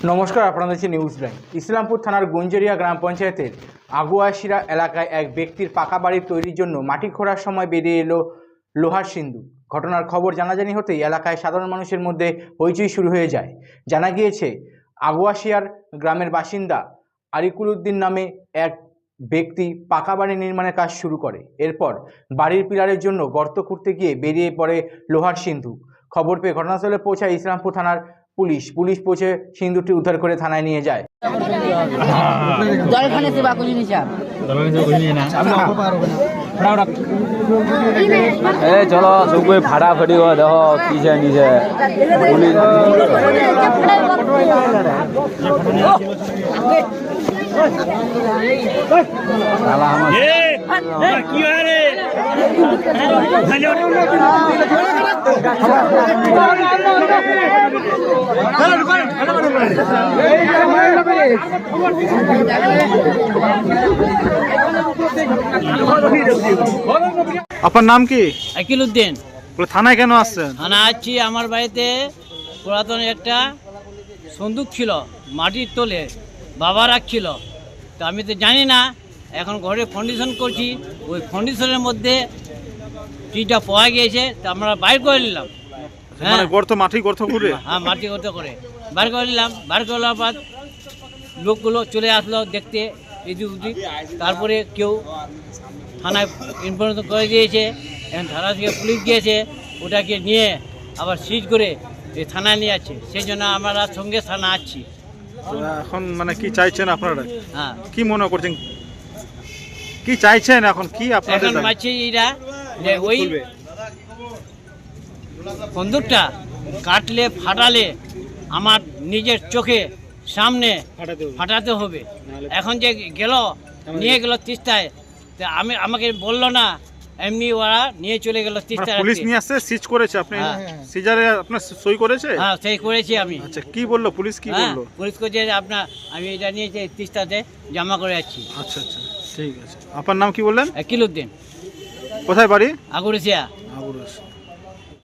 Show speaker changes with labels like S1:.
S1: নমস্কার, আপনারা দেখছেন নিউজ লাইভ। ইসলামপুর থানার গুঞ্জরিয়া গ্রাম পঞ্চায়েতের আগুয়াশিরা এলাকায় এক ব্যক্তির পাকা বাড়ি তৈরির জন্য মাটি খোঁড়ার সময় বেরিয়ে এলো লোহার সিন্দুক। ঘটনার খবর জানাজানি হতেই এলাকায় সাধারণ মানুষের মধ্যে হইচই শুরু হয়ে যায়। জানা গিয়েছে আগুয়াশিয়ার গ্রামের বাসিন্দা আরিকুল উদ্দিন নামে এক ব্যক্তি পাকা বাড়ি নির্মাণের কাজ শুরু করে। এরপর বাড়ির পিলারের জন্য গর্ত খুঁড়তে গিয়ে বেরিয়ে পড়ে লোহার সিন্দুক। খবর পেয়ে ঘটনাস্থলে পৌঁছায় ইসলামপুর থানার পুলিশ পৌঁছে সিন্দুকটি উদ্ধার করে থানায় নিয়ে যায়।
S2: চলো সব ফাটাফাটি দেখো কিসে নিচে
S3: আপনার নাম কি?
S4: আকিল উদ্দিন।
S3: থানায় কেন আসছেন?
S4: থানা আসছি, আমার বাড়িতে পুরাতন একটা সন্দুক ছিল মাটির তলে, বাবা রাখছিল। তো আমি তো জানি না, এখন ঘরে ফাউন্ডেশন করছি, ওই ফাউন্ডেশনের মধ্যে টিটা পাওয়া গিয়েছে, তো আমরা বাইর করে নিলাম। হ্যাঁ,
S3: মাটি গর্ত করে,
S4: হ্যাঁ মাটি গর্ত করে বাইর করে নিলাম। বাইর করার পর লোকগুলো চলে আসলো দেখতে এদিক ওদিক। তারপরে কেউ থানায় ইনফরমেশন করে দিয়েছে, এখন থানা থেকে পুলিশ গিয়েছে, ওটাকে নিয়ে আবার সিজ করে এই থানায় নিয়ে যাচ্ছে। সেই জন্য আমরা সঙ্গে থানা আসছি।
S3: এখন মানে কি চাইছেন আপনারা?
S4: হ্যাঁ,
S3: কি মনে করছেন, কি চাইছেন এখন? কি আপনাদের
S4: এখন পাচ্ছি এইটা যে ওই বন্দুকটা কাটলে ফাটালে আমার নিজের চোখে সামনে ফাটাতে হবে। এখন যে গেল নিয়ে গেল তিস্তায়, আমাকে বললো না, এমনি ওরা নিয়ে চলে গেল তিস্তায়।
S3: পুলিশ নিয়ে আসছে, সিজ করেছে, আপনি সিজারে আপনার সই করেছে?
S4: হ্যাঁ, সেই করেছি আমি।
S3: আচ্ছা, কি বললো পুলিশ? কি বললো?
S4: পুলিশ করছে আমি এটা নিয়ে তিস্তাতে জমা করে যাচ্ছি।
S3: আচ্ছা আচ্ছা, ঠিক আছে। আপনার নাম কি বললেন?
S4: আকিল উদ্দিন।
S3: কোথায় বাড়ি?
S4: আগুয়াশিরা।